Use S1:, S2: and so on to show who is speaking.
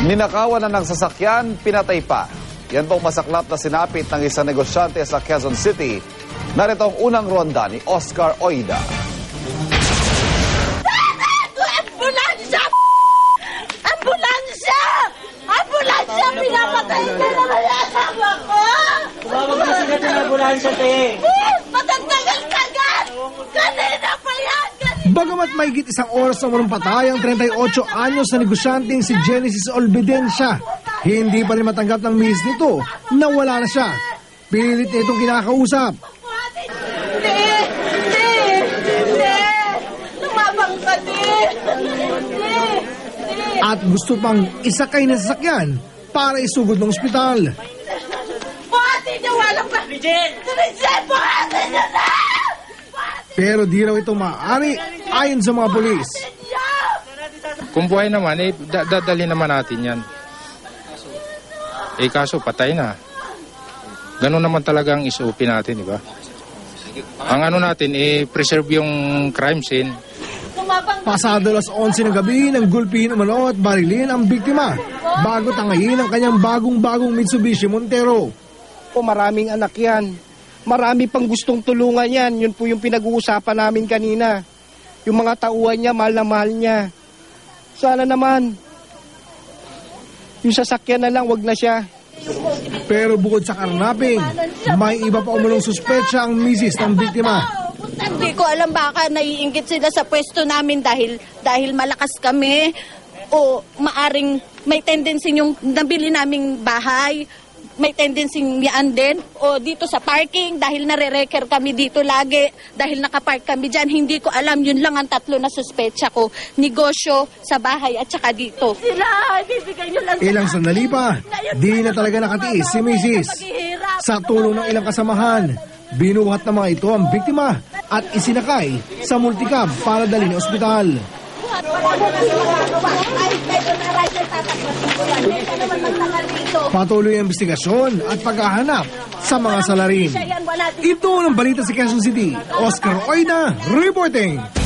S1: Ninakawan na ng sasakyan, pinatay pa. Yan pong masaklap na sinapit ng isang negosyante sa Quezon City. Narito ang unang ronda ni Oscar Oida.
S2: Ambulansya! Ambulansya! Ambulansya! Pinapatay ka na kaya asawa ko!
S3: Tumawag na sila ng ambulansya, te.
S2: Matatagal-tagal! Kanina pa yan!
S4: Bagamat mahigit isang oras na walang patay ang 38 anyos na negosyanteng si Genesis Olvidencia, hindi pa rin matanggap ng miss nito na wala na siya. Pilit na itong kinakausap.
S2: Lumabang ka,
S4: At gusto pang isakay ng sasakyan para isugod ng ospital.
S2: Buhati niyo, walang ba? Bridget, buhati niyo na!
S4: Pero di raw ito maaari ayon sa mga pulis.
S5: Kung buhay naman, dadali naman natin yan. Kaso patay na. Ganun naman talaga ang SOP natin, di ba? Ang ano natin, preserve yung crime scene.
S4: Pasado alas 11 ng gabi nang gulpihin umano at barilin ang biktima bago tangayin ang kanyang bagong-bagong Mitsubishi Montero.
S6: Maraming anak yan. Marami pang gustong tulungan yan. Yun po yung pinag-uusapan namin kanina. Yung mga tauhan niya, mahal na mahal niya. Sana naman, yung sasakyan na lang, wag na siya.
S4: Pero bukod sa karnaping, may iba pa umunong suspetsa ang misis ng biktima.
S2: Hindi ko alam, baka naiinggit sila sa pwesto namin dahil malakas kami o maaring may tendency yung nabili naming bahay. May tendency yan din. O dito sa parking, dahil nare-reker kami dito lagi, dahil nakapark kami dyan, hindi ko alam. Yun lang ang tatlo na suspetsa ko. Negosyo, sa bahay, at saka dito. Sila, bibigay nyo lang.
S4: Ilang sandali pa, di na talaga nakatiis si misis. Sa tulong ng ilang kasamahan, binuhat ng mga ito ang biktima at isinakay sa multicab para dalhin sa ospital. Patuloy ang investigasyon at paghahanap sa mga salarin. Ito ang balita sa Quezon City. Oscar Oida reporting.